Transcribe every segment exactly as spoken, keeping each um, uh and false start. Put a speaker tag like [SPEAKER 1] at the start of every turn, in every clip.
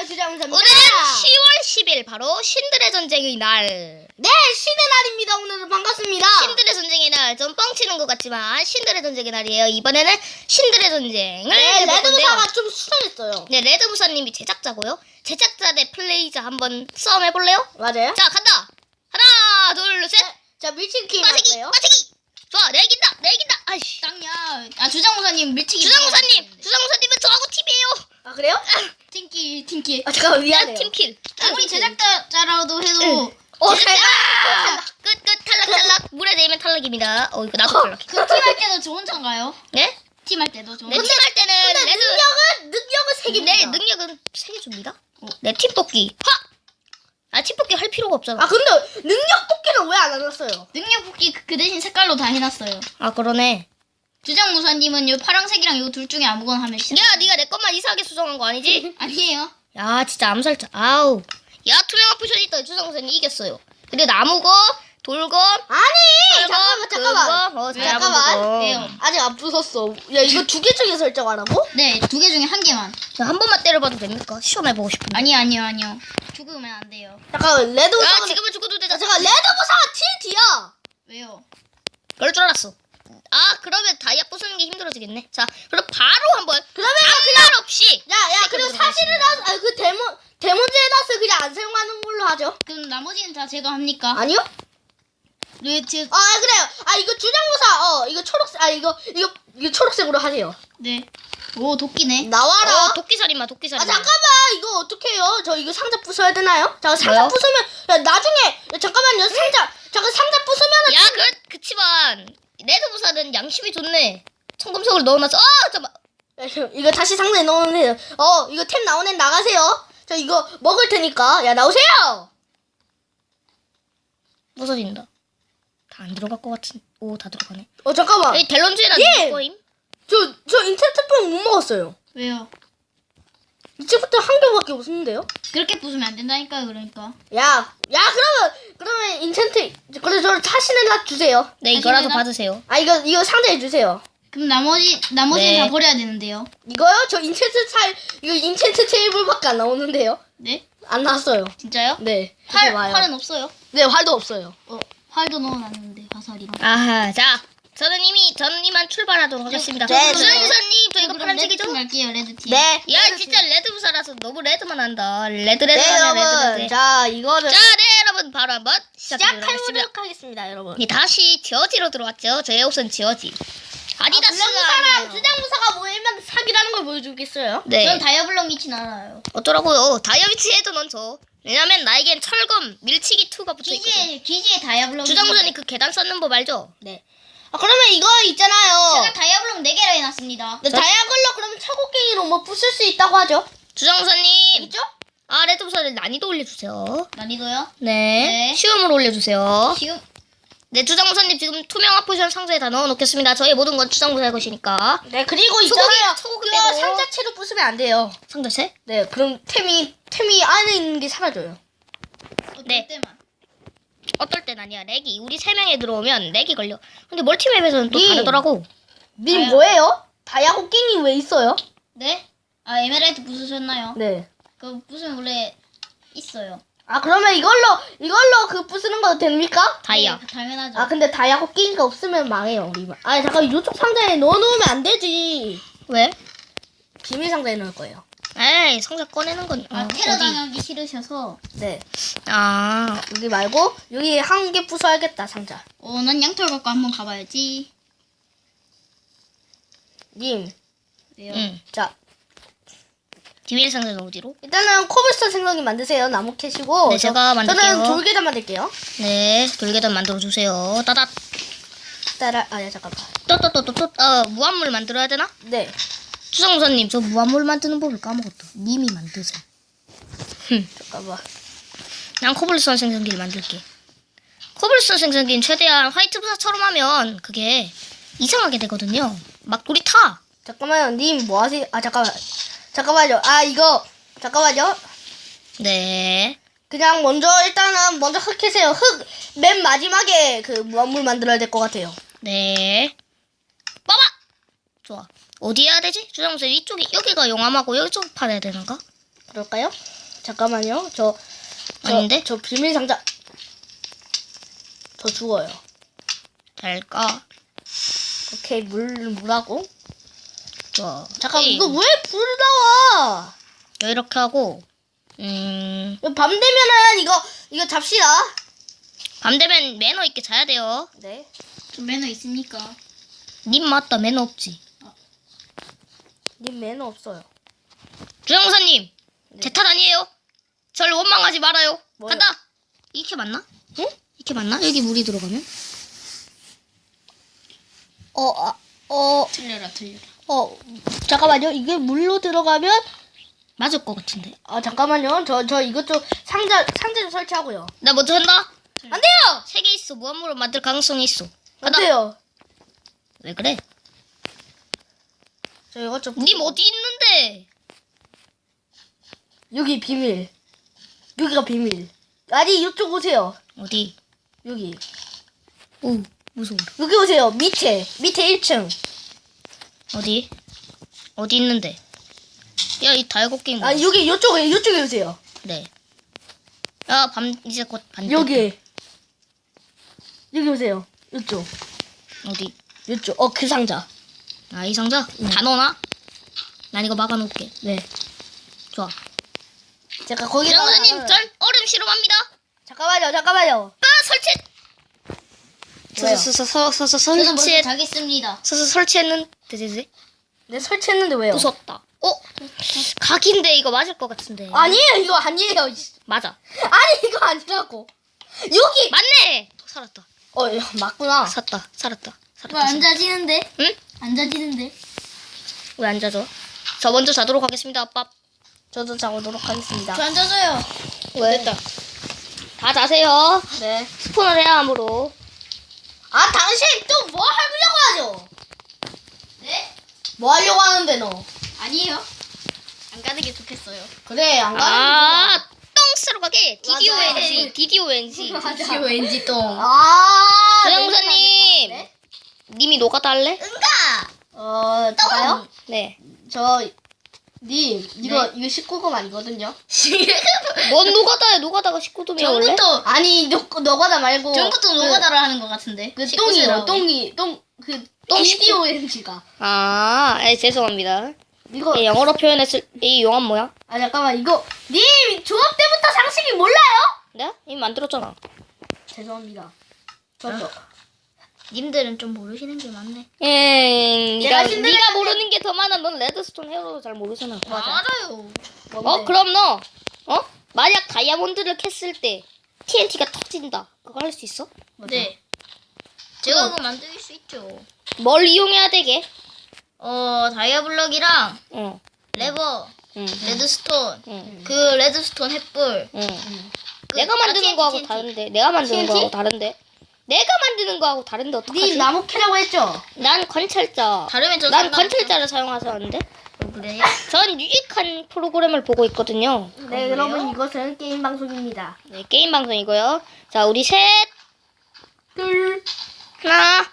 [SPEAKER 1] 안녕하세요, 주장무사입니다.
[SPEAKER 2] 오늘은 시월 십일 바로 신들의 전쟁의 날.
[SPEAKER 1] 네, 신의 날입니다. 오늘은 반갑습니다.
[SPEAKER 2] 신들의 전쟁의 날. 좀 뻥치는 것 같지만 신들의 전쟁의 날이에요. 이번에는 신들의 전쟁을
[SPEAKER 1] 네,
[SPEAKER 2] 해볼 건데요.
[SPEAKER 1] 레드무사가 좀 수상했어요.
[SPEAKER 2] 네, 레드무사님이 제작자고요. 제작자 대 플레이자 한번 싸움 해볼래요?
[SPEAKER 1] 맞아요.
[SPEAKER 2] 자, 간다. 하나, 둘, 셋.
[SPEAKER 1] 네, 자, 밀치기
[SPEAKER 2] 빠지기,
[SPEAKER 1] 할게요.
[SPEAKER 2] 빠지기. 좋아, 내 이긴다, 내 이긴다. 아이씨.
[SPEAKER 3] 땅야. 아 주장무사님 밀치기.
[SPEAKER 2] 주장무사님, 주장무사님은 저하고 팀이에요.
[SPEAKER 1] 아, 그래요?
[SPEAKER 3] 팀킬 팀킬.
[SPEAKER 1] 아, 잠깐만,
[SPEAKER 2] 야,
[SPEAKER 1] 미안해요.
[SPEAKER 2] 팀킬.
[SPEAKER 3] 아무리 제작자라도 해도
[SPEAKER 1] 어,
[SPEAKER 2] 제작자!
[SPEAKER 1] 탈락!
[SPEAKER 2] 끝, 끝, 탈락, 탈락. 물에 내면 탈락입니다. 어, 이거 나도 탈락.
[SPEAKER 3] 그 팀 할 때도 저 혼자인가요?
[SPEAKER 2] 네?
[SPEAKER 3] 팀 할 때도 저
[SPEAKER 2] 내
[SPEAKER 3] 혼자.
[SPEAKER 2] 팀 할 때는
[SPEAKER 1] 근데
[SPEAKER 2] 레드.
[SPEAKER 1] 능력은, 능력은 세 개입니다.
[SPEAKER 2] 네, 능력은 세 개 줍니다. 내 팀 뽑기. 하! 아, 팀 뽑기 할 필요가 없잖아.
[SPEAKER 1] 아, 근데 능력 뽑기는 왜 안 해놨어요?
[SPEAKER 3] 능력 뽑기 그- 그 대신 색깔로 다 해놨어요.
[SPEAKER 2] 아, 그러네.
[SPEAKER 3] 주장무사님은 요 파랑색이랑 요 둘 중에 아무거나 하면 시작.
[SPEAKER 2] 야, 네가 내 것만 이상하게 수정한 거 아니지?
[SPEAKER 3] 아니에요.
[SPEAKER 2] 야, 진짜 암살자. 아우. 야, 투명한 포션이 있다. 주상선이 이겼어요. 근데 나무고, 돌고,
[SPEAKER 1] 아니!
[SPEAKER 2] 철거,
[SPEAKER 1] 잠깐만, 잠깐만.
[SPEAKER 2] 그거, 어,
[SPEAKER 3] 왜?
[SPEAKER 1] 잠깐만.
[SPEAKER 3] 왜요?
[SPEAKER 1] 아직 안 부쉈어. 야, 이거 두 개 중에 설정하라고?
[SPEAKER 3] 네, 두 개 중에 한 개만.
[SPEAKER 2] 야, 한 번만 때려봐도 됩니까? 시험해보고 싶은데.
[SPEAKER 3] 아니요, 아니요, 아니요. 죽으면 안 돼요.
[SPEAKER 1] 잠깐만, 레드무사가.
[SPEAKER 2] 야, 지금은 죽어도 되잖아.
[SPEAKER 1] 잠깐, 레드무사가 틸티야!
[SPEAKER 3] 왜요?
[SPEAKER 2] 그럴 줄 알았어. 아, 그러면 다이아 부수는 게 힘들어지겠네. 자, 그럼 바로 한번.
[SPEAKER 1] 그러면
[SPEAKER 2] 장난 없이.
[SPEAKER 1] 야, 야, 그리고
[SPEAKER 2] 시작해보도록
[SPEAKER 1] 사실은, 나, 아, 그 데모, 데모즈에다스 그냥 안 사용하는 걸로 하죠.
[SPEAKER 3] 그럼 나머지는 다 제가 합니까?
[SPEAKER 1] 아니요?
[SPEAKER 3] 왜 제?
[SPEAKER 1] 아, 그래요. 아, 이거 주장무사, 어, 이거 초록색, 아, 이거, 이거, 이거 초록색으로 하세요.
[SPEAKER 3] 네. 오 도끼네.
[SPEAKER 1] 나와라.
[SPEAKER 2] 어, 도끼살인마, 도끼살인마.
[SPEAKER 1] 아, 잠깐만, 이거 어떡해요? 저 이거 상자 부숴야 되나요? 잠깐, 상자
[SPEAKER 2] 왜요?
[SPEAKER 1] 부수면, 야, 나중에, 야, 잠깐만요, 상자, 잠깐, 상자 부수면은.
[SPEAKER 2] 야, 그, 그치만, 레드무사는 양심이 좋네. 청금석을 넣어놨어. 어, 잠깐만.
[SPEAKER 1] 야, 이거- 이거 다시 상자에 넣으세요. 어, 이거 템 나오는 애 나가세요. 저 이거 먹을 테니까. 야, 나오세요!
[SPEAKER 2] 부서진다. 다 안 들어갈 것 같은. 오, 다 들어가네.
[SPEAKER 1] 어, 잠깐만.
[SPEAKER 2] 이 델론즈에다
[SPEAKER 1] 예!
[SPEAKER 2] 넣을 거임?
[SPEAKER 1] 저, 저 인챈트병 못 먹었어요.
[SPEAKER 3] 왜요?
[SPEAKER 1] 이제부터 한 개밖에 없는데요?
[SPEAKER 3] 그렇게 부수면 안 된다니까요, 그러니까.
[SPEAKER 1] 야, 야, 그러면, 그러면 인챈트, 그래, 저 타시는 다 주세요.
[SPEAKER 2] 네, 이거라도
[SPEAKER 3] 다시
[SPEAKER 2] 받으세요.
[SPEAKER 1] 아, 이거, 이거 상자에 주세요.
[SPEAKER 3] 그럼 나머지 나머지는
[SPEAKER 2] 네.
[SPEAKER 3] 다 버려야 되는데요.
[SPEAKER 1] 이거요? 저 인챈트 살, 이거 인챈트 테이블밖에 안 나오는데요?
[SPEAKER 3] 네?
[SPEAKER 1] 안 나왔어요.
[SPEAKER 3] 진짜요?
[SPEAKER 1] 네.
[SPEAKER 3] 활
[SPEAKER 1] 이제 와요.
[SPEAKER 3] 활은 없어요.
[SPEAKER 1] 네, 활도 없어요.
[SPEAKER 3] 어 활도 넣어놨는데 화살이랑.
[SPEAKER 2] 아하, 자. 저는 이미, 저는 이만 출발하도록 하겠습니다.
[SPEAKER 1] 네, 네.
[SPEAKER 2] 주상무사님, 저 이거
[SPEAKER 3] 그럼
[SPEAKER 2] 파란색이죠?
[SPEAKER 3] 레드팀 갈게요, 레드팀.
[SPEAKER 1] 네.
[SPEAKER 2] 야, 진짜 레드무사라서 너무 레드만 한다. 레드, 레드,
[SPEAKER 1] 네,
[SPEAKER 2] 하네,
[SPEAKER 1] 여러분.
[SPEAKER 2] 레드, 레드.
[SPEAKER 1] 자, 이거를
[SPEAKER 2] 자, 네, 여러분. 바로 한번 시작해보도록 하겠습니다.
[SPEAKER 1] 시작해보도록 하겠습니다, 여러분.
[SPEAKER 2] 이 다시 지어지로 들어왔죠. 저의 옷은 지어지. 아디다스가
[SPEAKER 1] 주장무사랑,
[SPEAKER 2] 아니에요.
[SPEAKER 1] 주장무사가 모이면 사기라는 걸 보여주겠어요?
[SPEAKER 2] 네.
[SPEAKER 3] 전 다이아블럭 미친 알아요.
[SPEAKER 2] 어쩌라고요. 다이어비치 해도 넌 줘. 왜냐면 나에겐 철검, 밀치기 이가 붙어있거든.
[SPEAKER 3] 기지에 기지에 다이아블럭.
[SPEAKER 2] 주장무사님 그 계단 쌓는 법 알죠?
[SPEAKER 1] 네. 아, 그러면 이거 있잖아요.
[SPEAKER 3] 제가 다이아블럭 네 개를 해놨습니다.
[SPEAKER 1] 네, 다이아글로 그러면 차곡갱이로 뭐 부술 수 있다고 하죠?
[SPEAKER 2] 주장무사님.
[SPEAKER 1] 있죠?
[SPEAKER 2] 아, 레드무사를 난이도 올려주세요.
[SPEAKER 3] 난이도요?
[SPEAKER 2] 네.
[SPEAKER 3] 네.
[SPEAKER 2] 쉬움으로 올려주세요.
[SPEAKER 3] 지금
[SPEAKER 2] 네, 주장무사님 지금 투명한 포션 상자에 다 넣어놓겠습니다. 저희 모든 건 주장무사의 것이니까.
[SPEAKER 1] 네, 그리고
[SPEAKER 2] 소고기,
[SPEAKER 1] 있잖아요.
[SPEAKER 2] 소고기
[SPEAKER 1] 그거
[SPEAKER 2] 빼고.
[SPEAKER 1] 상자채로 부수면 안 돼요.
[SPEAKER 2] 상자 세?
[SPEAKER 1] 네, 그럼 템이, 템이 안에 있는 게 사라져요.
[SPEAKER 3] 어떨
[SPEAKER 2] 네.
[SPEAKER 3] 때만.
[SPEAKER 2] 어떨 땐 아니야. 렉이. 우리 세 명에 들어오면 렉이 걸려. 근데 멀티맵에서는 또
[SPEAKER 1] 님.
[SPEAKER 2] 다르더라고.
[SPEAKER 1] 님
[SPEAKER 3] 다이아-
[SPEAKER 1] 뭐예요? 다이아곡갱이 왜 있어요?
[SPEAKER 3] 네? 아 에메랄드 부수셨나요?
[SPEAKER 1] 네.
[SPEAKER 3] 그 부수면 원래 있어요.
[SPEAKER 1] 아, 그러면 이걸로, 이걸로 그 부수는 거 됩니까?
[SPEAKER 2] 다이아.
[SPEAKER 3] 네, 당연하죠.
[SPEAKER 1] 아, 근데 다이아곡갱이가 없으면 망해요, 우리만. 아, 잠깐, 이쪽 상자에 넣어놓으면 안 되지.
[SPEAKER 2] 왜?
[SPEAKER 1] 비밀 상자에 넣을 거예요.
[SPEAKER 2] 에이, 상자 꺼내는 건.
[SPEAKER 3] 아
[SPEAKER 2] 어,
[SPEAKER 3] 테러
[SPEAKER 2] 어디?
[SPEAKER 3] 당하기 싫으셔서.
[SPEAKER 1] 네.
[SPEAKER 2] 아,
[SPEAKER 1] 여기 말고, 여기 한 개 부숴야겠다, 상자.
[SPEAKER 3] 어, 난 양털 갖고 한번 가봐야지.
[SPEAKER 1] 님,
[SPEAKER 3] 왜요?
[SPEAKER 2] 응.
[SPEAKER 1] 자,
[SPEAKER 2] 비밀 상자는 어디로?
[SPEAKER 1] 일단은 코블스톤 생성기 만드세요. 나무 캐시고.
[SPEAKER 2] 네, 제가 만들게요.
[SPEAKER 1] 저는 돌계단 만들게요.
[SPEAKER 2] 네, 돌계단 만들어주세요. 따닥.
[SPEAKER 1] 따라, 아, 야, 잠깐만.
[SPEAKER 2] 또또또또또 어, 무한물 만들어야 되나?
[SPEAKER 1] 네.
[SPEAKER 2] 주성무사님, 저 무한물 만드는 법을 까먹었다. 님이 만드세요. 흠.
[SPEAKER 1] 잠깐만.
[SPEAKER 2] 난 코블스톤 생성기를 만들게. 코블스톤 생성기는 최대한 화이트 부사처럼 하면 그게 이상하게 되거든요. 막 돌이 타.
[SPEAKER 1] 잠깐만요. 님, 뭐 하세요? 아, 잠깐만. 잠깐만요. 아, 이거. 잠깐만요.
[SPEAKER 2] 네.
[SPEAKER 1] 그냥 먼저, 일단은 먼저 흙 캐세요. 흙, 맨 마지막에 그 무한물 만들어야 될 것 같아요.
[SPEAKER 2] 네. 봐봐! 좋아. 어디 해야 되지? 주장무사 이쪽이, 여기가 용암하고 여기쪽 팔아야 되는가?
[SPEAKER 1] 그럴까요? 잠깐만요. 저, 저,
[SPEAKER 2] 아닌데?
[SPEAKER 1] 저 비밀 상자. 저 죽어요.
[SPEAKER 2] 잘까?
[SPEAKER 1] 오케이, 물, 물하고.
[SPEAKER 2] 좋아.
[SPEAKER 1] 잠깐,
[SPEAKER 2] 에이,
[SPEAKER 1] 이거 왜 불 나와?
[SPEAKER 2] 이렇게 하고, 음,
[SPEAKER 1] 이거 밤 되면은 이거, 이거 잡시다.
[SPEAKER 2] 밤 되면 매너 있게 자야 돼요.
[SPEAKER 1] 네.
[SPEAKER 3] 좀 매너 있습니까?
[SPEAKER 2] 님 맞다, 매너 없지.
[SPEAKER 1] 님 매너 없어요.
[SPEAKER 2] 주영사님, 제 탓 아니에요. 절 원망하지 말아요.
[SPEAKER 1] 뭐요?
[SPEAKER 2] 간다. 이렇게 맞나?
[SPEAKER 1] 응?
[SPEAKER 2] 이렇게 맞나? 여기 물이 들어가면?
[SPEAKER 1] 어, 아, 어,
[SPEAKER 3] 틀려라 틀려라.
[SPEAKER 1] 어, 잠깐만요. 이게 물로 들어가면,
[SPEAKER 2] 맞을 것 같은데.
[SPEAKER 1] 아, 잠깐만요. 저, 저 이것 좀 상자, 상자 좀 설치하고요.
[SPEAKER 2] 나 먼저 한다.
[SPEAKER 1] 안 돼요!
[SPEAKER 2] 세 개 있어. 무한물을 만들 가능성이 있어.
[SPEAKER 1] 안
[SPEAKER 2] 간다.
[SPEAKER 1] 돼요.
[SPEAKER 2] 왜 그래?
[SPEAKER 1] 저 이것 좀.
[SPEAKER 2] 님 어디 있는데?
[SPEAKER 1] 여기 비밀. 여기가 비밀. 아니, 이쪽 오세요.
[SPEAKER 2] 어디?
[SPEAKER 1] 여기.
[SPEAKER 2] 오, 무서워.
[SPEAKER 1] 여기 오세요. 밑에. 밑에 일 층.
[SPEAKER 2] 어디? 어디 있는데? 야, 이 다이거 게임.
[SPEAKER 1] 아,
[SPEAKER 2] 뭐야?
[SPEAKER 1] 여기, 이쪽에, 이쪽에 오세요.
[SPEAKER 2] 네. 야, 밤 이제 곧 반.
[SPEAKER 1] 여기. 여기 오세요. 이쪽.
[SPEAKER 2] 어디?
[SPEAKER 1] 이쪽. 어, 그 상자.
[SPEAKER 2] 아, 이 상자? 다 넣어놔? 난 이거 막아놓을게.
[SPEAKER 1] 네.
[SPEAKER 2] 좋아.
[SPEAKER 1] 잠깐, 거기.
[SPEAKER 2] 장사님, 전 얼음 실험합니다.
[SPEAKER 1] 잠깐만요, 잠깐만요.
[SPEAKER 2] 아, 설치.
[SPEAKER 1] 왜요?
[SPEAKER 2] 서서서서서
[SPEAKER 3] 저는 먼저
[SPEAKER 2] 설치해.
[SPEAKER 3] 자겠습니다.
[SPEAKER 2] 서서 설치했는. 되되되.
[SPEAKER 1] 네, 설치했는데 왜요?
[SPEAKER 2] 무섭다. 어? 각인데 이거 맞을 것 같은데.
[SPEAKER 1] 아니에요, 이거 아니에요.
[SPEAKER 2] 맞아.
[SPEAKER 1] 아니, 이거 아니라고. 여기!
[SPEAKER 2] 맞네. 살았다.
[SPEAKER 1] 어, 야, 맞구나.
[SPEAKER 2] 살았다. 살았다. 살았다.
[SPEAKER 3] 왜 안 자지는데?
[SPEAKER 2] 응?
[SPEAKER 3] 안 자지는데?
[SPEAKER 2] 왜 안 자죠? 저 먼저 자도록 하겠습니다, 아빠.
[SPEAKER 1] 저도 자보도록 하겠습니다.
[SPEAKER 3] 저 안 자줘요.
[SPEAKER 2] 왜? 됐다. 다 자세요.
[SPEAKER 1] 네.
[SPEAKER 2] 스폰을 해야 함으로.
[SPEAKER 1] 아, 당신 또 뭐 하려고 하죠?
[SPEAKER 3] 네?
[SPEAKER 1] 뭐 하려고 하는데, 너?
[SPEAKER 3] 아니에요. 안 가는 게 좋겠어요.
[SPEAKER 1] 그래, 안 가는
[SPEAKER 2] 아, 똥 쓰러 가게.
[SPEAKER 1] 맞아.
[SPEAKER 2] 디디오엔지. 디디오엔지.
[SPEAKER 1] 맞아.
[SPEAKER 3] 왠지 똥.
[SPEAKER 1] 아,
[SPEAKER 2] 조영사님.
[SPEAKER 1] 네?
[SPEAKER 2] 님이 노가다 할래?
[SPEAKER 3] 응가.
[SPEAKER 1] 어, 저요?
[SPEAKER 2] 네.
[SPEAKER 1] 저, 님, 이거, 이거 십구 금 아니거든요?
[SPEAKER 2] 뭔 노가다야? 노가다가 십구 도면 원래?
[SPEAKER 3] 전부터
[SPEAKER 1] 아니, 너, 너가다 말고.
[SPEAKER 3] 전부터
[SPEAKER 1] 그-
[SPEAKER 3] 노가다를 하는 것 같은데.
[SPEAKER 1] 그
[SPEAKER 3] 십구
[SPEAKER 1] 똥이요,
[SPEAKER 3] 세라고.
[SPEAKER 1] 똥이, 똥, 그,
[SPEAKER 2] 똥
[SPEAKER 1] 디디오엔지가.
[SPEAKER 2] 아, 에, 죄송합니다.
[SPEAKER 1] 이거,
[SPEAKER 2] 예, 영어로 표현했을 이 용암 뭐야?
[SPEAKER 1] 아, 잠깐만, 이거, 님, 조합 때부터 상식이 몰라요?
[SPEAKER 2] 내가 이미 만들었잖아.
[SPEAKER 1] 죄송합니다. 저도.
[SPEAKER 3] 님들은 좀 모르시는 게 많네.
[SPEAKER 2] 예,
[SPEAKER 1] 내가
[SPEAKER 2] 네가
[SPEAKER 1] 신데렐라
[SPEAKER 2] 네가 모르는 게 더 많아. 넌 레드스톤 헤어로도 잘 모르잖아.
[SPEAKER 3] 알아요.
[SPEAKER 2] 어, 그럼 너, 어? 만약 다이아몬드를 캤을 때 티엔티가 터진다. 그거 할 수 있어?
[SPEAKER 3] 네. 제가 그거 만들 수 있죠.
[SPEAKER 2] 뭘 이용해야 되게?
[SPEAKER 3] 어, 다이아블럭이랑
[SPEAKER 2] 응,
[SPEAKER 3] 레버,
[SPEAKER 2] 응,
[SPEAKER 3] 레드스톤,
[SPEAKER 2] 응,
[SPEAKER 3] 그 레드스톤 햇불.
[SPEAKER 2] 응.
[SPEAKER 3] 그-
[SPEAKER 2] 내가
[SPEAKER 3] 아,
[SPEAKER 2] 만드는
[SPEAKER 3] 티엔티,
[SPEAKER 2] 거하고
[SPEAKER 3] 티엔티.
[SPEAKER 2] 다른데. 내가 만드는
[SPEAKER 1] 티엔티?
[SPEAKER 2] 거하고 다른데. 내가 만드는 거하고 다른데 어떡하지?
[SPEAKER 1] 님, 나무 캐라고 했죠?
[SPEAKER 2] 난 관찰자.
[SPEAKER 3] 다르면 저
[SPEAKER 2] 난
[SPEAKER 3] 상관없죠.
[SPEAKER 2] 관찰자를 사용하서 하는데.
[SPEAKER 3] 어, 그래요?
[SPEAKER 2] 전 유익한 프로그램을 보고 있거든요.
[SPEAKER 1] 네, 여러분, 이것은 게임 방송입니다.
[SPEAKER 2] 네, 게임 방송이고요. 자, 우리 셋,
[SPEAKER 1] 둘,
[SPEAKER 2] 하나,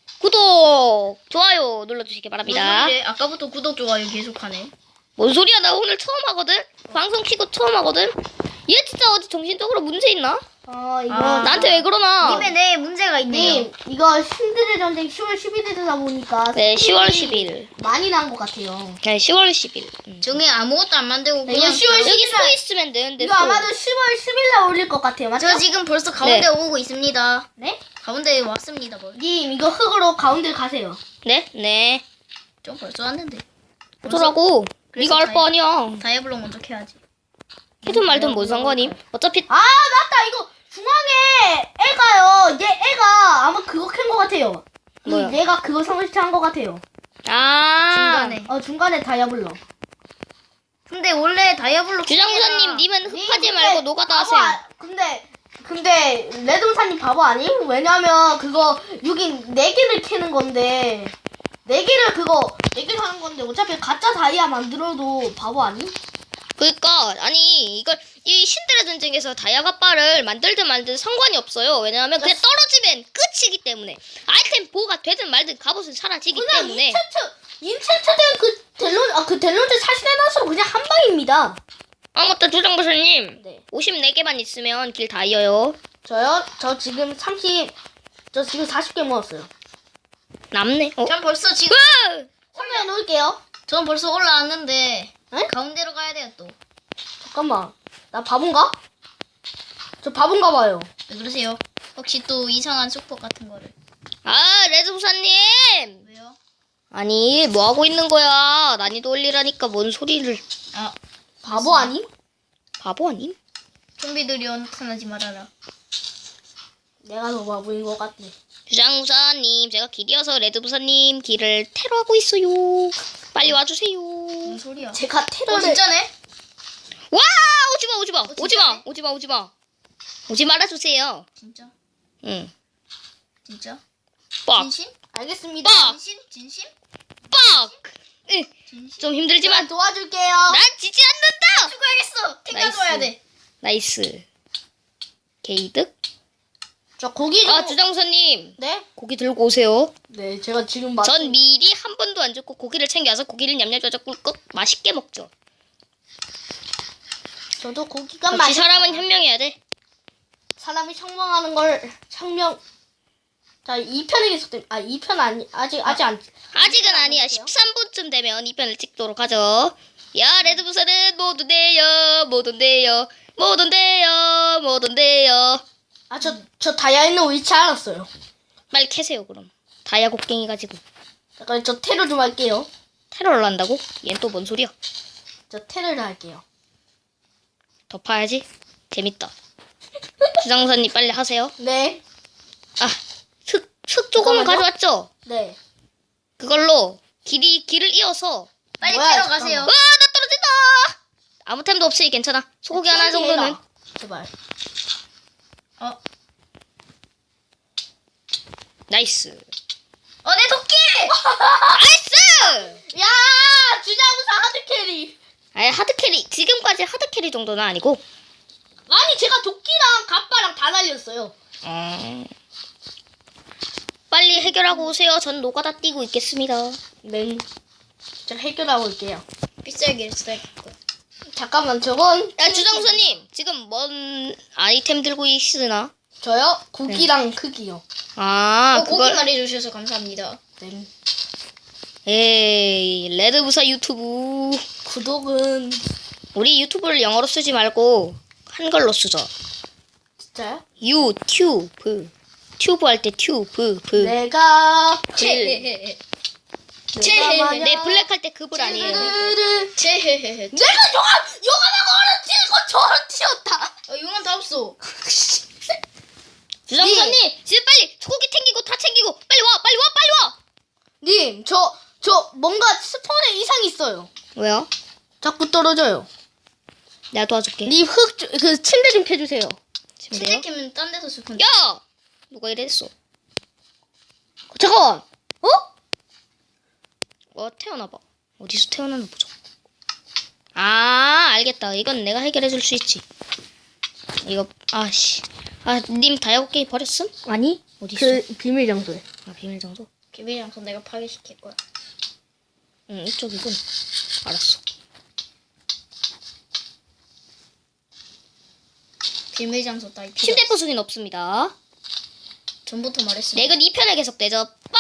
[SPEAKER 2] 구독, 좋아요 눌러주시기 바랍니다.
[SPEAKER 3] 무슨 일이야? 아까부터 구독 좋아요 계속하네.
[SPEAKER 2] 뭔 소리야? 나 오늘 처음 하거든? 방송 키고 처음 하거든? 얘 진짜 어디 정신적으로 문제 있나?
[SPEAKER 1] 어, 이거.
[SPEAKER 3] 아,
[SPEAKER 2] 나한테 왜 그러나?
[SPEAKER 3] 님의 내 문제가 있네요.
[SPEAKER 1] 님, 이거 신들의 전쟁 시월 십일일 되다 보니까.
[SPEAKER 2] 네, 시월
[SPEAKER 1] 스킬이
[SPEAKER 2] 십일.
[SPEAKER 1] 많이 난 것 같아요.
[SPEAKER 2] 네, 시월 십일. 음.
[SPEAKER 3] 중에 아무것도 안 만들고
[SPEAKER 1] 네,
[SPEAKER 3] 그냥
[SPEAKER 1] 이거 시월
[SPEAKER 2] 여기
[SPEAKER 1] 십일 날-
[SPEAKER 2] 소 있으면 되는데.
[SPEAKER 1] 이거
[SPEAKER 2] 소.
[SPEAKER 1] 아마도 시월 십일날 올릴 것 같아요. 맞죠?
[SPEAKER 3] 저 지금 벌써 가운데
[SPEAKER 2] 네.
[SPEAKER 3] 오고 있습니다.
[SPEAKER 1] 네?
[SPEAKER 3] 가운데 왔습니다. 뭐.
[SPEAKER 1] 님, 이거 흙으로 가운데 가세요.
[SPEAKER 2] 네? 네.
[SPEAKER 3] 좀 벌써 왔는데.
[SPEAKER 2] 어쩌라고?
[SPEAKER 3] 그래서
[SPEAKER 2] 네가 할 거
[SPEAKER 3] 다이-
[SPEAKER 2] 아니야.
[SPEAKER 3] 다이아블럭 먼저 캐야지.
[SPEAKER 2] 해든 말든 뭔 상관임? 어차피
[SPEAKER 1] 아, 맞다! 이거 중앙에 애가요. 얘 애가 아마 그거 캔 것 같아요. 이
[SPEAKER 2] 뭐요?
[SPEAKER 1] 얘가 그거 설치한 것 같아요.
[SPEAKER 2] 아
[SPEAKER 3] 중간에.
[SPEAKER 1] 어, 중간에 다이아블럭.
[SPEAKER 3] 근데 원래 다이아블럭
[SPEAKER 2] 주장부사님
[SPEAKER 3] 캐기가-
[SPEAKER 2] 님은
[SPEAKER 1] 님,
[SPEAKER 2] 흡하지
[SPEAKER 1] 근데
[SPEAKER 2] 말고 노가다
[SPEAKER 1] 바보
[SPEAKER 2] 하세요.
[SPEAKER 1] 아- 근데 근데 레동사님 바보 아님? 왜냐면 그거 여기 네 개를 캐는 건데 네 개를 그거 네 개를 하는 건데 어차피 가짜 다이아 만들어도 바보 아니?
[SPEAKER 2] 그러니까 아니 이걸 이 신들의 전쟁에서 다이아가빠를 만들든 말든 상관이 없어요. 왜냐하면 그냥 떨어지면 끝이기 때문에 아이템 보호가 되든 말든 갑옷은 사라지기
[SPEAKER 1] 그냥
[SPEAKER 2] 때문에
[SPEAKER 1] 인챈트 인챈트 된그 델론 아그 델론즈 사신해놔서 그냥 한 방입니다.
[SPEAKER 2] 아 맞다 주장부사님.
[SPEAKER 1] 네.
[SPEAKER 2] 오십사 개만 있으면 길 다 이어요.
[SPEAKER 1] 저요? 저 지금 삼십, 저 지금 사십 개 모았어요.
[SPEAKER 2] 남네. 어?
[SPEAKER 3] 전 벌써 지금
[SPEAKER 2] 으아!
[SPEAKER 1] 설명해 놓을게요.
[SPEAKER 3] 전 벌써 올라왔는데
[SPEAKER 1] 에?
[SPEAKER 3] 가운데로 가야 돼요 또.
[SPEAKER 1] 잠깐만. 나 바본가? 저 바본가 봐요.
[SPEAKER 3] 왜 그러세요? 혹시 또 이상한 수법 같은 거를?
[SPEAKER 2] 아 레드부사님.
[SPEAKER 3] 왜요?
[SPEAKER 2] 아니 뭐 하고 있는 거야? 난이도 올리라니까 뭔 소리를.
[SPEAKER 3] 아
[SPEAKER 1] 바보 아님?
[SPEAKER 2] 바보 아님?
[SPEAKER 3] 좀비들이 나타나지 말아라.
[SPEAKER 1] 내가 더 바보인 것 같네.
[SPEAKER 2] 주장부사님 제가 길이어서 레드부사님 길을 테러하고 있어요. 빨리 와주세요.
[SPEAKER 3] 뭔 소리야?
[SPEAKER 1] 제가
[SPEAKER 3] 어
[SPEAKER 1] 테러를
[SPEAKER 3] 진짜네?
[SPEAKER 2] 와 오지마 오지마
[SPEAKER 3] 진짜네?
[SPEAKER 2] 오지마 오지마 오지마 오지 말아주세요.
[SPEAKER 3] 진짜?
[SPEAKER 2] 응.
[SPEAKER 3] 진짜?
[SPEAKER 2] 빡
[SPEAKER 3] 진심?
[SPEAKER 1] 알겠습니다.
[SPEAKER 2] 빡!
[SPEAKER 3] 진심? 진심?
[SPEAKER 2] 빡. 응.
[SPEAKER 3] 진심?
[SPEAKER 2] 좀
[SPEAKER 1] 제가
[SPEAKER 2] 힘들지만
[SPEAKER 1] 도와줄게요.
[SPEAKER 2] 난 지지 않는다.
[SPEAKER 3] 죽어야겠어. 탱
[SPEAKER 2] 나이스.
[SPEAKER 3] 가져와야 돼.
[SPEAKER 2] 나이스. 게이득.
[SPEAKER 1] 저 고기 좀.
[SPEAKER 2] 아 주장부사님
[SPEAKER 1] 네?
[SPEAKER 2] 고기 들고 오세요.
[SPEAKER 1] 네, 제가 지금 맛.
[SPEAKER 2] 전 미리 한 번도 안 죽고 고기를 챙겨와서 고기를 냠냠 꿀꺽 맛있게 먹죠.
[SPEAKER 1] 저도 고기가
[SPEAKER 2] 역시
[SPEAKER 1] 맛있어요.
[SPEAKER 2] 사람은 현명해야 돼.
[SPEAKER 1] 사람이 청명하는 걸 청명. 자, 이 편이 계속됩니다. 아, 이 편 아니 아직 아직 안.
[SPEAKER 2] 아직은 아니야. 십삼 분쯤 되면 이 편을 찍도록 하죠. 야 레드부사는 못 온대요. 못 온대요. 못 온대요. 못 온대요.
[SPEAKER 1] 아, 저 저 다이아 있는 위치 알았어요.
[SPEAKER 2] 빨리 캐세요 그럼. 다이아 곡괭이 가지고.
[SPEAKER 1] 잠깐 저 테러 좀 할게요.
[SPEAKER 2] 테러를 한다고? 얜 또 뭔 소리야?
[SPEAKER 1] 저 테러를 할게요.
[SPEAKER 2] 더 파야지. 재밌다. 주장사님 빨리 하세요.
[SPEAKER 1] 네.
[SPEAKER 2] 아, 흙, 흙 조금은
[SPEAKER 1] 잠깐만요.
[SPEAKER 2] 가져왔죠?
[SPEAKER 1] 네.
[SPEAKER 2] 그걸로 길이, 길을 이어서.
[SPEAKER 3] 빨리
[SPEAKER 1] 뭐야,
[SPEAKER 3] 캐러
[SPEAKER 1] 잠깐만.
[SPEAKER 3] 가세요.
[SPEAKER 2] 와, 나 떨어진다! 아무 템도 없으니 괜찮아. 소고기 하나 정도는.
[SPEAKER 1] 해라. 제발.
[SPEAKER 3] 어,
[SPEAKER 2] 나이스.
[SPEAKER 3] 어, 내 도끼!
[SPEAKER 2] 나이스!
[SPEAKER 1] 야, 주장부사 하드 캐리.
[SPEAKER 2] 아니, 하드캐리. 지금까지 하드캐리 정도는 아니고.
[SPEAKER 1] 아니, 제가 도끼랑 갑바랑 다 날렸어요.
[SPEAKER 2] 음... 빨리 해결하고 오세요. 전 노가다 뛰고 있겠습니다.
[SPEAKER 1] 네. 제가 해결하고 올게요.
[SPEAKER 3] 빗살기를 써야겠고
[SPEAKER 1] 잠깐만, 저건.
[SPEAKER 2] 야, 주장사님. 지금 뭔 아이템 들고 있으나?
[SPEAKER 1] 저요? 고기랑 크기요.
[SPEAKER 2] 아,
[SPEAKER 3] 어, 고기
[SPEAKER 2] 그걸.
[SPEAKER 3] 말해주셔서 감사합니다.
[SPEAKER 1] 네.
[SPEAKER 2] 에이, 레드부사 유튜브.
[SPEAKER 1] 구독은
[SPEAKER 2] 우리 유튜브를 영어로 쓰지 말고 한글로 쓰죠.
[SPEAKER 1] 진짜요?
[SPEAKER 2] 유튜브. 튜브 할 때 튜브. 브.
[SPEAKER 1] 내가
[SPEAKER 3] 체헤헤헤.
[SPEAKER 1] 내가 만약
[SPEAKER 2] 네, 블랙 할 때 그불 아니에요.
[SPEAKER 1] 르르르.
[SPEAKER 3] 체헤헤헤.
[SPEAKER 1] 내가 용암 용암하고 얼음 튀고 저를 튀었다.
[SPEAKER 3] 어, 용암 다 없어.
[SPEAKER 2] 주장사님, 지금 빨리 소고기 챙기고 다 챙기고 빨리 와, 빨리 와, 빨리 와.
[SPEAKER 1] 님, 저 저 뭔가 스폰에 이상이 있어요.
[SPEAKER 2] 왜요?
[SPEAKER 1] 자꾸 떨어져요.
[SPEAKER 2] 내가 도와줄게.
[SPEAKER 1] 님 흙 그 침대 좀 캐주세요.
[SPEAKER 2] 침대요?
[SPEAKER 3] 침대 캐면 딴 데서 쓸 건데.
[SPEAKER 2] 야, 누가 이랬어?
[SPEAKER 1] 잠깐. 어?
[SPEAKER 2] 어, 태어나봐. 어디서 태어나나 보자. 아, 알겠다. 이건 내가 해결해줄 수 있지. 이거 아씨. 아, 님 다이아고기 버렸음?
[SPEAKER 1] 아니?
[SPEAKER 2] 어디 있어?
[SPEAKER 1] 그 비밀 장소에.
[SPEAKER 2] 아, 비밀 장소.
[SPEAKER 3] 개비장소 내가 파괴시킬 거야.
[SPEAKER 2] 응, 이쪽이군. 알았어.
[SPEAKER 3] 비밀 장소 따위 필요
[SPEAKER 2] 침대
[SPEAKER 3] 없어.
[SPEAKER 2] 부수긴 없습니다.
[SPEAKER 3] 전부터 말했어.
[SPEAKER 2] 네, 이건 이 편에 계속되죠. 빡!